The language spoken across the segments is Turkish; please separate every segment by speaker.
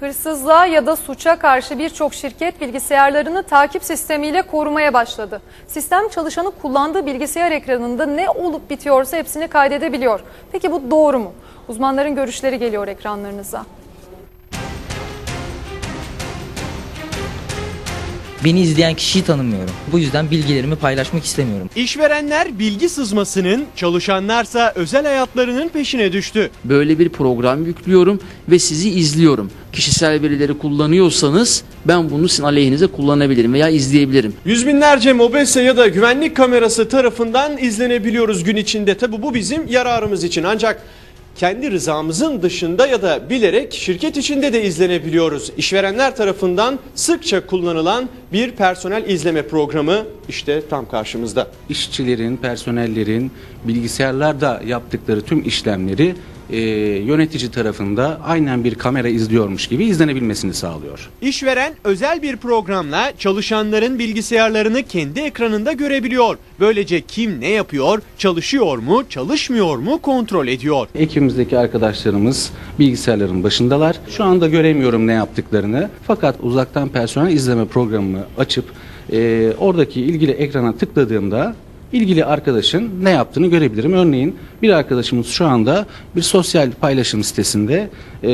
Speaker 1: Hırsızlığa ya da suça karşı birçok şirket bilgisayarlarını takip sistemiyle korumaya başladı. Sistem çalışanı kullandığı bilgisayar ekranında ne olup bitiyorsa hepsini kaydedebiliyor. Peki bu doğru mu? Uzmanların görüşleri geliyor ekranlarınıza.
Speaker 2: Beni izleyen kişiyi tanımıyorum. Bu yüzden bilgilerimi paylaşmak istemiyorum.
Speaker 3: İşverenler bilgi sızmasının, çalışanlarsa özel hayatlarının peşine düştü.
Speaker 4: Böyle bir program yüklüyorum ve sizi izliyorum. Kişisel verileri kullanıyorsanız ben bunu sizin aleyhinize kullanabilirim veya izleyebilirim.
Speaker 3: Yüz binlerce mobese ya da güvenlik kamerası tarafından izlenebiliyoruz gün içinde. Tabi bu bizim yararımız için, ancak kendi rızamızın dışında ya da bilerek şirket içinde de izlenebiliyoruz. İşverenler tarafından sıkça kullanılan bir personel izleme programı işte tam karşımızda.
Speaker 5: İşçilerin, personellerin bilgisayarlarda yaptıkları tüm işlemleri yönetici tarafında aynen bir kamera izliyormuş gibi izlenebilmesini sağlıyor.
Speaker 3: İşveren özel bir programla çalışanların bilgisayarlarını kendi ekranında görebiliyor. Böylece kim ne yapıyor, çalışıyor mu, çalışmıyor mu kontrol ediyor.
Speaker 5: Ekibimizdeki arkadaşlarımız bilgisayarların başındalar. Şu anda göremiyorum ne yaptıklarını, fakat uzaktan personel izleme programını açıp oradaki ilgili ekrana tıkladığımda ilgili arkadaşın ne yaptığını görebilirim. Örneğin bir arkadaşımız şu anda bir sosyal paylaşım sitesinde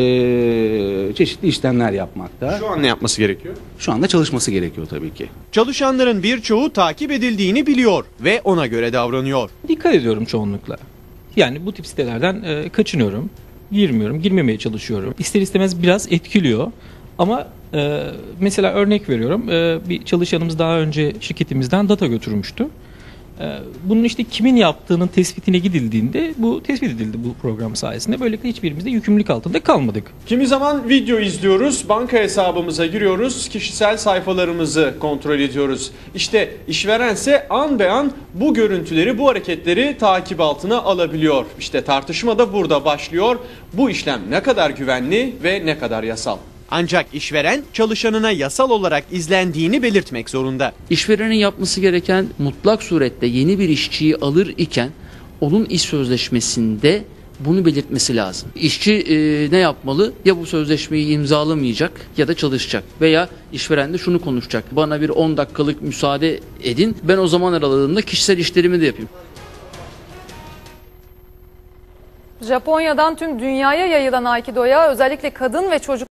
Speaker 5: çeşitli işlemler yapmakta.
Speaker 3: Şu an ne yapması gerekiyor?
Speaker 5: Şu anda çalışması gerekiyor tabii ki.
Speaker 3: Çalışanların birçoğu takip edildiğini biliyor ve ona göre davranıyor.
Speaker 6: Dikkat ediyorum çoğunlukla. Yani bu tip sitelerden kaçınıyorum, girmiyorum, girmemeye çalışıyorum. İster istemez biraz etkiliyor ama mesela örnek veriyorum, bir çalışanımız daha önce şirketimizden data götürmüştü. Bunun işte kimin yaptığının tespitine gidildiğinde bu tespit edildi bu program sayesinde. Böylelikle hiçbirimiz de yükümlülük altında kalmadık.
Speaker 3: Kimi zaman video izliyoruz, banka hesabımıza giriyoruz, kişisel sayfalarımızı kontrol ediyoruz. İşte işverense an be an bu görüntüleri, bu hareketleri takip altına alabiliyor. İşte tartışma da burada başlıyor. Bu işlem ne kadar güvenli ve ne kadar yasal? Ancak işveren çalışanına yasal olarak izlendiğini belirtmek zorunda.
Speaker 4: İşverenin yapması gereken mutlak surette yeni bir işçiyi alır iken onun iş sözleşmesinde bunu belirtmesi lazım. İşçi ne yapmalı? Ya bu sözleşmeyi imzalamayacak ya da çalışacak. Veya işveren de şunu konuşacak. Bana bir 10 dakikalık müsaade edin. Ben o zaman aralığında kişisel işlerimi de yapayım.
Speaker 1: Japonya'dan tüm dünyaya yayılan Aikido'ya özellikle kadın ve çocuk